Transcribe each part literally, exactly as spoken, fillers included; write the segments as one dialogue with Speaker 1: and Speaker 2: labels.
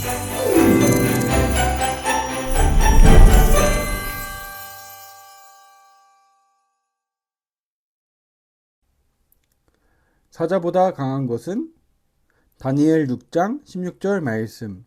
Speaker 1: 사자보다 강한 것은? 다니엘 육 장 십육 절 말씀.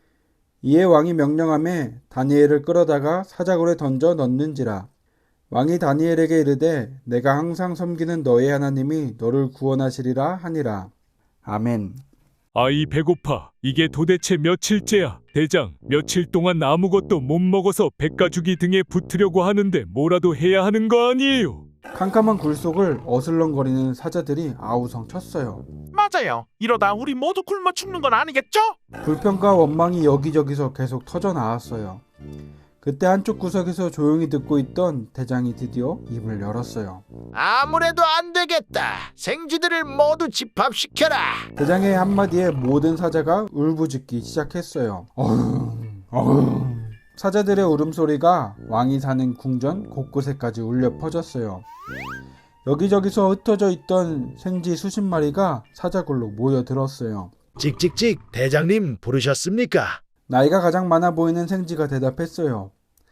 Speaker 1: 이에 왕이 명령하매 다니엘을 끌어다가 사자굴에 던져 넣는지라. 왕이 다니엘에게 이르되 내가 항상 섬기는 너의 하나님이 너를 구원하시리라 하니라. 아멘.
Speaker 2: 아이 배고파. 이게 도대체 며칠째야? 대장, 며칠 동안 아무것도 못 먹어서 백가죽이 등에 붙으려고 하는데 뭐라도 해야 하는 거 아니에요?
Speaker 1: 캄캄한 굴 속을 어슬렁거리는 사자들이 아우성 쳤어요.
Speaker 3: 맞아요. 이러다 우리 모두 굶어 죽는 건 아니겠죠?
Speaker 1: 불평과 원망이 여기저기서 계속 터져 나왔어요. 그때 한쪽 구석에서 조용히 듣고 있던 대장이 드디어 입을 열었어요.
Speaker 4: 아무래도 안 되겠다. 생쥐들을 모두 집합시켜라.
Speaker 1: 대장의 한마디에 모든 사자가 울부짖기 시작했어요. 어흥, 어흥. 사자들의 울음소리가 왕이 사는 궁전 곳곳에까지 울려 퍼졌어요. 여기저기서 흩어져 있던 생쥐 수십 마리가 사자굴로 모여들었어요.
Speaker 4: 찍찍찍, 대장님 부르셨습니까?
Speaker 1: 나이가 가장 많아 보이는 생쥐가 대답했어요.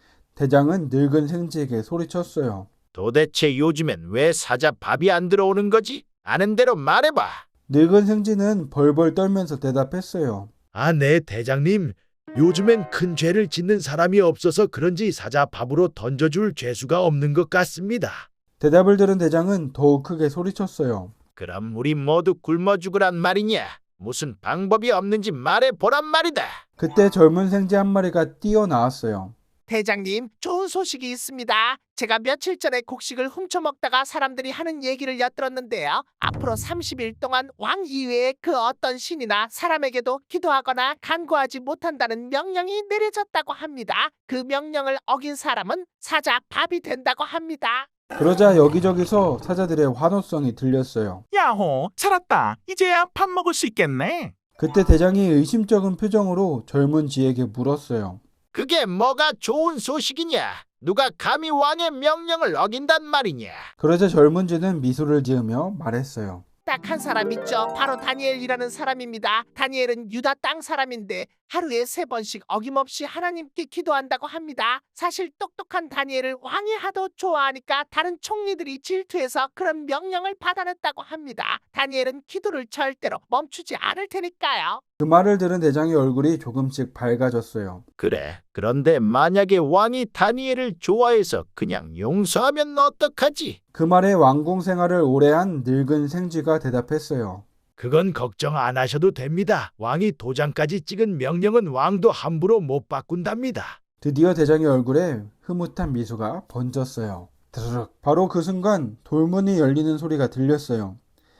Speaker 1: 대장은 늙은 생쥐에게 소리쳤어요.
Speaker 4: 도대체 요즘엔 왜 사자 밥이 안 들어오는 거지? 아는 대로 말해봐.
Speaker 1: 늙은 생쥐는 벌벌 떨면서 대답했어요.
Speaker 4: 아, 네, 대장님. 요즘엔 큰 죄를 짓는 사람이 없어서 그런지 사자 밥으로 던져줄 죄수가 없는 것 같습니다.
Speaker 1: 대답을 들은 대장은 더욱 크게 소리쳤어요.
Speaker 4: 그럼 우리 모두 굶어 죽으란 말이냐? 무슨 방법이 없는지 말해보란 말이다.
Speaker 1: 그때 젊은 생쥐 한 마리가 뛰어나왔어요.
Speaker 5: 대장님, 좋은 소식이 있습니다. 제가 며칠 전에 곡식을 훔쳐먹다가 사람들이 하는 얘기를 엿들었는데요. 앞으로 삼십 일 동안 왕 이외의 그 어떤 신이나 사람에게도 기도하거나 간구하지 못한다는 명령이 내려졌다고 합니다. 그 명령을 어긴 사람은 사자 밥이 된다고 합니다.
Speaker 1: 그러자 여기저기서 사자들의 환호성이 들렸어요.
Speaker 3: 야호, 살았다. 이제야 밥 먹을 수 있겠네.
Speaker 1: 그때 대장이 의심쩍은 표정으로 젊은 쥐에게 물었어요.
Speaker 4: 그게 뭐가 좋은 소식이냐? 누가 감히 왕의 명령을 어긴단 말이냐?
Speaker 1: 그러자 젊은 쥐는 미소를 지으며 말했어요.
Speaker 5: 딱 한 사람 있죠. 바로 다니엘이라는 사람입니다. 다니엘은 유다 땅 사람인데 하루에 세 번씩 어김없이 하나님께 기도한다고 합니다. 사실 똑똑한 다니엘을 왕이 하도 좋아하니까 다른 총리들이 질투해서 그런 명령을 받아냈다고 합니다. 다니엘은 기도를 절대로 멈추지 않을 테니까요.
Speaker 1: 그 말을 들은 대장의 얼굴이 조금씩 밝아졌어요.
Speaker 4: 그래, 그런데 만약에 왕이 다니엘을 좋아해서 그냥 용서하면 어떡하지?
Speaker 1: 그 말에 왕궁 생활을 오래 한 늙은 생쥐가 대답했어요.
Speaker 4: 그건 걱정 안 하셔도 됩니다. 왕이 도장까지 찍은 명령은 왕도 함부로 못 바꾼답니다.
Speaker 1: 드디어 대장의 얼굴에 흐뭇한 미소가 번졌어요. 드르륵. 바로 그 순간 돌문이 열리는 소리가 들렸어요.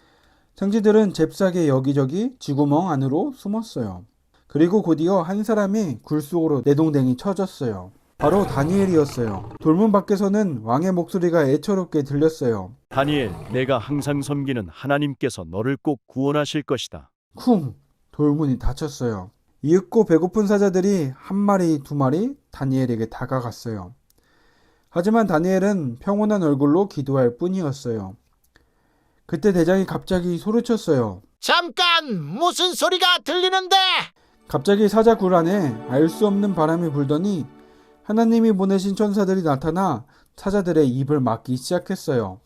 Speaker 1: 생쥐들은 잽싸게 여기저기 쥐구멍 안으로 숨었어요. 그리고 곧이어 한 사람이 굴 속으로 내동댕이 쳐졌어요. 바로 다니엘이었어요. 돌문 밖에서는 왕의 목소리가 애처롭게 들렸어요.
Speaker 6: 다니엘, 내가 항상 섬기는 하나님께서 너를 꼭 구원하실 것이다.
Speaker 1: 쿵! 돌문이 닫혔어요. 이윽고 배고픈 사자들이 한 마리 두 마리 다니엘에게 다가갔어요. 하지만 다니엘은 평온한 얼굴로 기도할 뿐이었어요. 그때 대장이 갑자기 소리쳤어요.
Speaker 4: 잠깐! 무슨 소리가 들리는데?
Speaker 1: 갑자기 사자 굴 안에 알 수 없는 바람이 불더니 하나님이 보내신 천사들이 나타나 사자들의 입을 막기 시작했어요.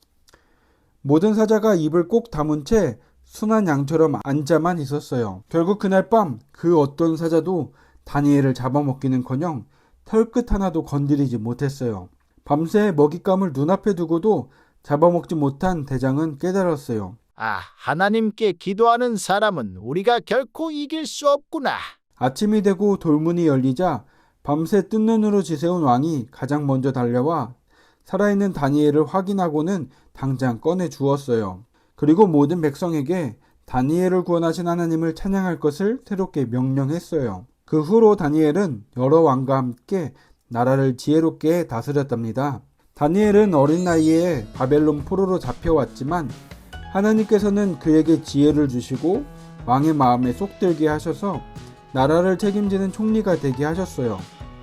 Speaker 1: 모든 사자가 입을 꼭 다문 채 순한 양처럼 앉아만 있었어요. 결국 그날 밤 그 어떤 사자도 다니엘을 잡아먹기는커녕 털끝 하나도 건드리지 못했어요. 밤새 먹잇감을 눈앞에 두고도 잡아먹지 못한 대장은 깨달았어요.
Speaker 4: 아, 하나님께 기도하는 사람은 우리가 결코 이길 수 없구나.
Speaker 1: 아침이 되고 돌문이 열리자 밤새 뜬 눈으로 지새운 왕이 가장 먼저 달려와 살아있는 다니엘을 확인하고는 당장 꺼내 주었어요. 그리고 모든 백성에게 다니엘을 구원하신 하나님을 찬양할 것을 새롭게 명령했어요. 그 후로 다니엘은 여러 왕과 함께 나라를 지혜롭게 다스렸답니다. 다니엘은 어린 나이에 바벨론 포로로 잡혀왔지만 하나님께서는 그에게 지혜를 주시고 왕의 마음에 쏙 들게 하셔서 나라를 책임지는 총리가 되게 하셨어요.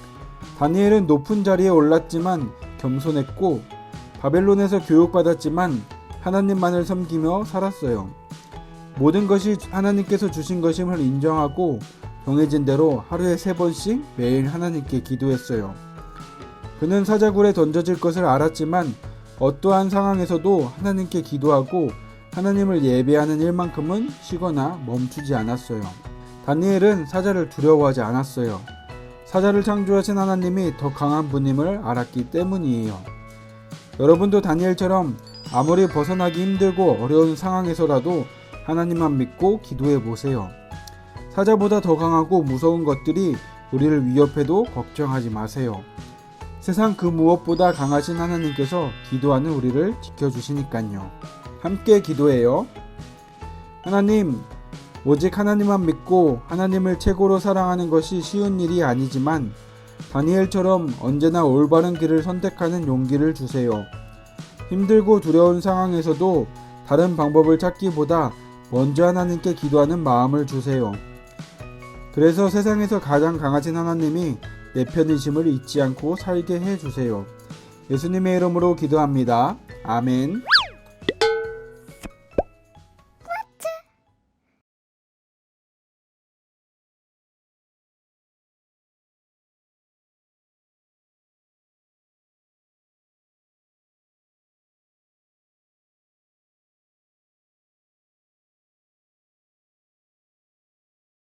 Speaker 1: 다니엘은 높은 자리에 올랐지만 겸손했고 바벨론에서 교육받았지만 하나님만을 섬기며 살았어요. 모든 것이 하나님께서 주신 것임을 인정하고 정해진 대로 하루에 세 번씩 매일 하나님께 기도했어요. 그는 사자굴에 던져질 것을 알았지만 어떠한 상황에서도 하나님께 기도하고 하나님을 예배하는 일만큼은 쉬거나 멈추지 않았어요. 다니엘은 사자를 두려워하지 않았어요. 사자를 창조하신 하나님이 더 강한 분임을 알았기 때문이에요. 여러분도 다니엘처럼 아무리 벗어나기 힘들고 어려운 상황에서라도 하나님만 믿고 기도해 보세요. 사자보다 더 강하고 무서운 것들이 우리를 위협해도 걱정하지 마세요. 세상 그 무엇보다 강하신 하나님께서 기도하는 우리를 지켜주시니까요. 함께 기도해요. 하나님, 오직 하나님만 믿고 하나님을 최고로 사랑하는 것이 쉬운 일이 아니지만 다니엘처럼 언제나 올바른 길을 선택하는 용기를 주세요. 힘들고 두려운 상황에서도 다른 방법을 찾기보다 먼저 하나님께 기도하는 마음을 주세요. 그래서 세상에서 가장 강하신 하나님이 내 편이심을 잊지 않고 살게 해주세요. 예수님의 이름으로 기도합니다. 아멘.